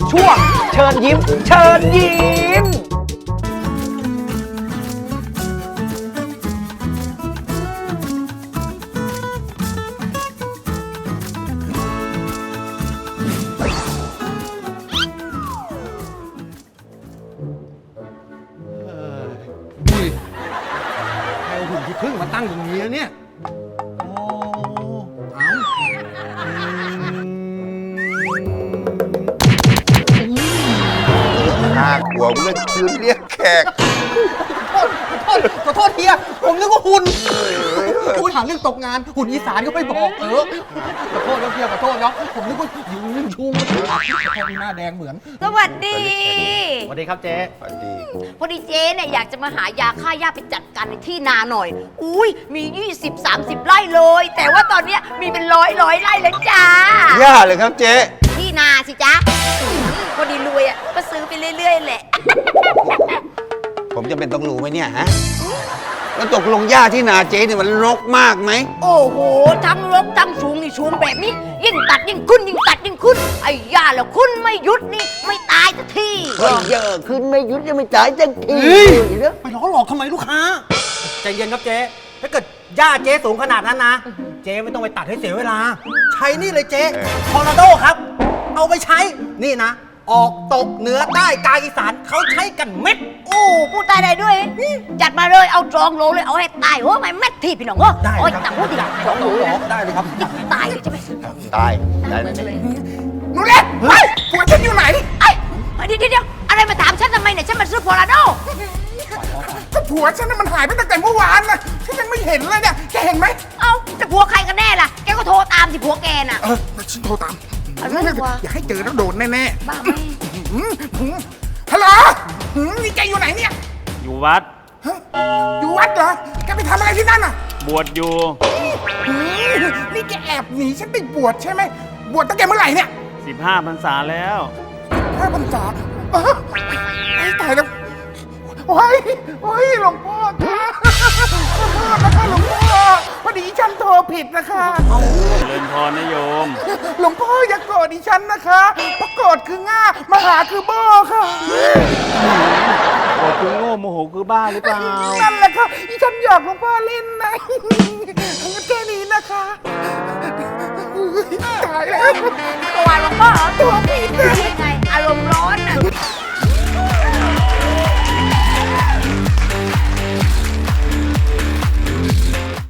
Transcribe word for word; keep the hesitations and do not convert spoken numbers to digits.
ช่วงเชิญยิ้มเชิญยิ้มนี่ใครเอาหุ่นที่พึ่งมาตั้งตรงนี้เนี่ยโอ้เอ้าน่ากลัวเมื่อคืนเรียกแขกขอโทษขอโทษเฮียผมนึกว่าหุ่นคุณถามเรื่องตกงานหุ่นอีสานก็ไม่บอกเออขอโทษแล้วเฮียขอโทษแล้วผมนึกว่ายุ่งชุ่งขอโทษมีหน้าแดงเหมือนสวัสดีสวัสดีครับเจ๊สวัสดีพอดีเจ๊เนี่ยอยากจะมาหายาฆ่าหญ้าไปจัดการในที่นาหน่อย อุ้ยมี ยี่สิบ สามสิบ ไร่เลย แต่ว่าตอนเนี้ยมีเป็นร้อยร้อยไร่เลยจ้าย่าเลยครับเจ๊ที่นาสิจ๊ะอืมพอดีรวยอ่ะก็ซื้อไปเรื่อยๆแหละผมจะเป็นต้องรู้ไหมเนี่ยฮะแล้วตกลงย่าที่นาเจ๊เนี่ยมันรกมากไหมโอ้โห ทั้งรกทั้งสูงนี่สูงแบบนี้ ยิ่งตัดยิ่งขึ้นยิ่งตัดยิ่งขึ้น ไอ้ย่าแล้วคุณไม่หยุดนี่ไม่ตายสักทีเยอะขึ้นไม่หยุดยังไม่จ่ายจังทีไปล้อหลอกทำไมลูกค้าใจเย็นครับเจ๊ถ้าเกิดหญ้าเจ๊สูงขนาดนั้นนะ เจ๊ไม่ต้องไปตัดให้เสียเวลา ใช้นี่เลยเจ๊ทอร์นาโดครับ เอาไปใช้นี่นะ ออกตกเหนือใต้กลางอีสานเขาใช้กันเม็ดโอ้พูดตายได้ด้วย จัดมาเลยเอาจองโลเลยเอาให้ตายโอ้ไม่แม่ทีพี่น้องเออได้โอ้ยครับแต่พูดดิได้จองโลเลยได้เลยครับตายเลยใช่ไหมตายได้ไหมหนูเล็กเฮ้ยผัวฉันอยู่ไหนไอ้เดี๋ยวเดี๋ยวอะไรมาถามฉันทำไมเนี่ยฉันมาซื้อโพลาโดก็ผัวฉันน่ะมันหายไปตั้งแต่เมื่อวานนะฉันยังไม่เห็นเลยเนี่ย แกเห็นไหมเอ้าแต่ผัวใครกันแน่ล่ะ แกก็โทรตามสิผัวแกน่ะเออฉันโทรตามอะไรวะอย่าให้เจอแล้วโดนแน่บ้าไหมๆหืมหืมฮัลโหลหืมนี่แกอยู่ไหนเนี่ยอยู่วัดฮะอยู่วัดเหรอ แกไปทำอะไรที่นั่นอ่ะบวชอยู่หืมนี่แกแอบหนีฉันไปบวชใช่ไหม บวชตั้งแต่เมื่อไหร่เนี่ยสิบห้าพรรษาแล้วห้าพรรษาเออไอ้ตายแล้วโอ้ยโอ้ยหลวงพ่อค่ะขอโทษนะคะหลวงพ่อพอดีฉันโทรผิดนะคะเริญพรนะโยมหลวงพ่ออย่าโกรธดิฉันนะคะเพราะโกรธคือง่ามาหาคือโบ้ค่ะโกรธคือโง่โมโหคือบ้าหรือเปล่านั่นแหละค่ะดิฉันอยากหลวงพ่อเล่นนะงั้นแค่นี้นะคะตายแล้วตัวหลวงพ่อตัวผิดนะยังไง